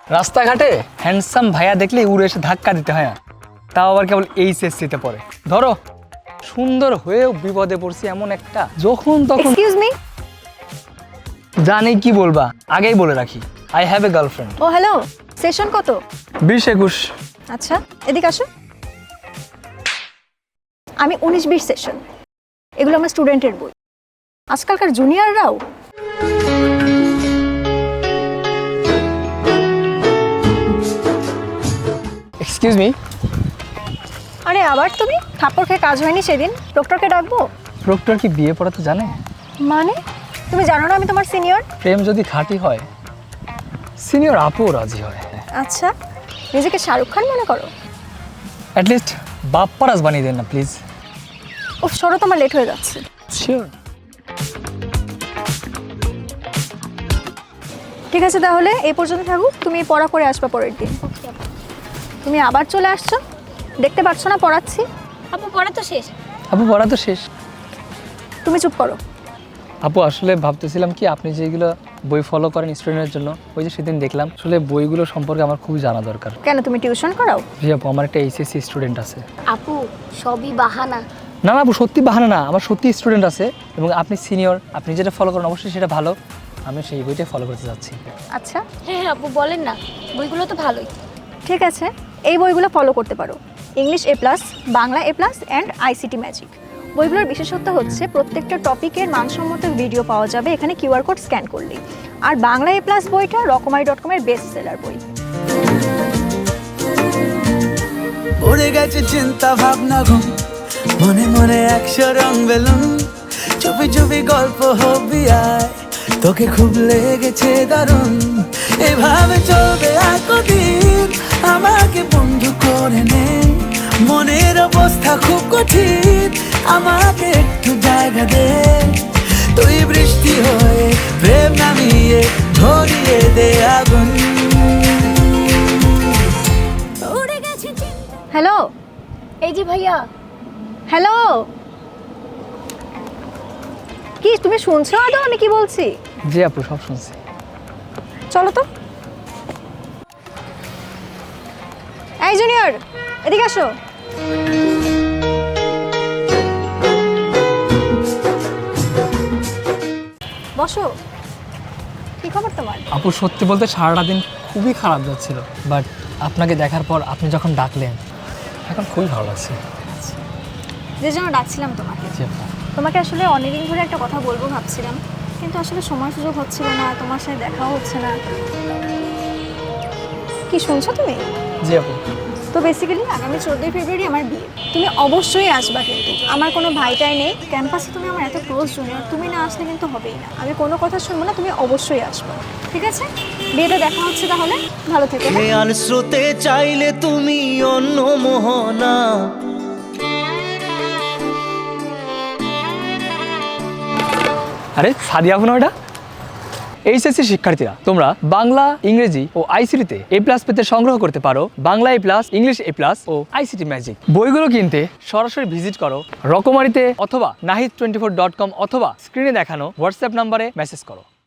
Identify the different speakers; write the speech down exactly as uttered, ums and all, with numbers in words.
Speaker 1: রাস্তাঘাটে হ্যান্ডসাম ভাইয়া দেখলে উড়ে এসে ধাক্কা দিতে হয় না, তাও আবার কেবল এইচএসসিতে পড়ে। ধরো সুন্দর হয়েও বিপদে পড়ছি এমন একটা, যখন তখন
Speaker 2: এক্সকিউজ মি।
Speaker 1: জানি কি বলবা, আগেই বলে রাখি, আই হ্যাভ এ গার্লফ্রেন্ড।
Speaker 2: ও হ্যালো, সেশন কত?
Speaker 1: বিশ একুশ।
Speaker 2: আচ্ছা, এদিকে আসো। আমি উনিশ বিশ সেশন, এগুলো আমার স্টুডেন্টের বই। আজকালকার জুনিয়ররাও
Speaker 1: এক্সকিউজ মি।
Speaker 2: আরে আবার তুমি? থাপ্পড় খেয়ে কাজ হয়নি সেদিন, প্রক্টরকে ডাকবো?
Speaker 1: প্রক্টর কি বিয়ে পড়াতে জানে?
Speaker 2: মানে তুমি জানো না আমি তোমার সিনিয়র?
Speaker 1: প্রেম যদি খাঁটি হয় সিনিয়র আপু রাজি হয়।
Speaker 2: আচ্ছা, নিজেকে শাহরুখ খান মনে করো?
Speaker 1: অ্যাটলিস্ট বাপ্পারাজ বানিয়ে দেন না প্লিজ।
Speaker 2: ও সরো, তোমার লেট হয়ে যাচ্ছে।
Speaker 1: শিওর।
Speaker 2: ঠিক আছে, তাহলে এই পর্যন্ত থাকুক, তুমি পড়া করে আসবা পরের দিন। তুমি আবার চলে আসছো, দেখতে পাচ্ছ না পড়াচ্ছি?
Speaker 3: আপু পড়া তো শেষ।
Speaker 1: আপু পড়া তো শেষ।
Speaker 2: তুমি চুপ করো।
Speaker 1: আপু আসলে ভাবতেছিলাম কি, আপনি যেগুলো বই ফলো করেন স্টুডেন্টের জন্য, ওই যে সেদিন দেখলাম, আসলে বইগুলো সম্পর্কে আমার খুবই জানা দরকার।
Speaker 2: কেন, তুমি টিউশন করাও?
Speaker 1: জি আপু, আমার একটা এইচএসসি স্টুডেন্ট আছে।
Speaker 3: আপু সবই বাহানা।
Speaker 1: না না আপু, সত্যি বাহানা না, আমার সত্যি স্টুডেন্ট আছে, এবং আপনি সিনিয়র, আপনি যেটা ফলো করেন অবশ্যই সেটা ভালো, আমি সেই বইটাই ফলো করতে যাচ্ছি।
Speaker 2: আচ্ছা
Speaker 3: হ্যাঁ হ্যাঁ আপু বলেন না, বইগুলো তো ভালোই।
Speaker 2: ঠিক আছে, এই বইগুলো ফলো করতে পারো। English A plus, Bangla A plus and ICT magic. বইগুলোর বিশেষত্ব হচ্ছে প্রত্যেকটা টপিকের মানসম্মত ভিডিও পাওয়া যাবে এখানে কিউআর কোড স্ক্যান করলেই। আর বাংলা এ প্লাস বইটা রকমারি ডট কমের বেস্ট সেলার বই।
Speaker 4: উড়ে গেছে চিন্তা ভাবনা ঘুম, মনে মনে একশো রং বেলুন, চুপি চুপি গল্প হবি আয়, তোকে খুব লেগেছে দারুণ, এভাবে চলবে আর কদিন, আমাকে বন্ধু করে নে, মনের অবস্থা খুব কঠিন, আমাকে একটু জায়গা দে, তুই বৃষ্টি হয়ে প্রেম নামিয়ে ধরিয়ে দে আগুন।
Speaker 2: হ্যালো
Speaker 3: এই যে ভাইয়া।
Speaker 2: হ্যালো, কি তুমি শুনছো আদৌ আমি কি বলছি?
Speaker 1: জি আপু, সব শুনছি।
Speaker 2: চলো তো। এই জুনিয়র, এদিকে আসো। বসো। কি খবর তোমার?
Speaker 1: আপু সত্যি বলতে সারাটা দিন খুবই খারাপ যাচ্ছিল, বাট আপনাকে দেখার পর আপনি যখন ডাকলেন এখন খুবই ভালো লাগছে।
Speaker 2: যে জন্য ডাকছিলাম তোমাকে,
Speaker 1: জি আপু।
Speaker 2: তোমাকে আসলে অনেকদিন ধরে একটা কথা বলবো ভাবছিলাম, কিন্তু আসলে সময় সুযোগ হচ্ছিল না, তোমার সাথে দেখাও হচ্ছে না। কি শুনছো তুমি?
Speaker 1: জি আপু।
Speaker 2: তো বেসিক্যালি আগামী চোদ্দোই ফেব্রুয়ারি আমার বিয়ে। তুমি অবশ্যই আসবা, কিন্তু আমার কোনো ভাইটাই নেই ক্যাম্পাসে, তুমি আমার এত ক্লোজ জুনিয়র, তুমি না আসলে কিন্তু হবেই না। আমি কোনো কথা শুনবো না, তুমি অবশ্যই আসবা, ঠিক আছে? বিয়েতে দেখা হচ্ছে তাহলে, ভালো থেকো।
Speaker 4: খেয়াল স্রোতে চাইলে তুমি অন্য মোহনা,
Speaker 1: আরে সাদিয়া আপু না ওটা? এইচএসসি শিক্ষার্থীরা, তোমরা বাংলা, ইংরেজি ও আইসিটিতে এ প্লাস পেতে সংগ্রহ করতে পারো Bangla A plus, English A plus ও আইসিটি ম্যাজিক। বইগুলো কিনতে সরাসরি ভিজিট করো রকমারিতে অথবা Nahid twenty four dot com অথবা স্ক্রিনে দেখানো হোয়াটসঅ্যাপ নাম্বারে মেসেজ করো।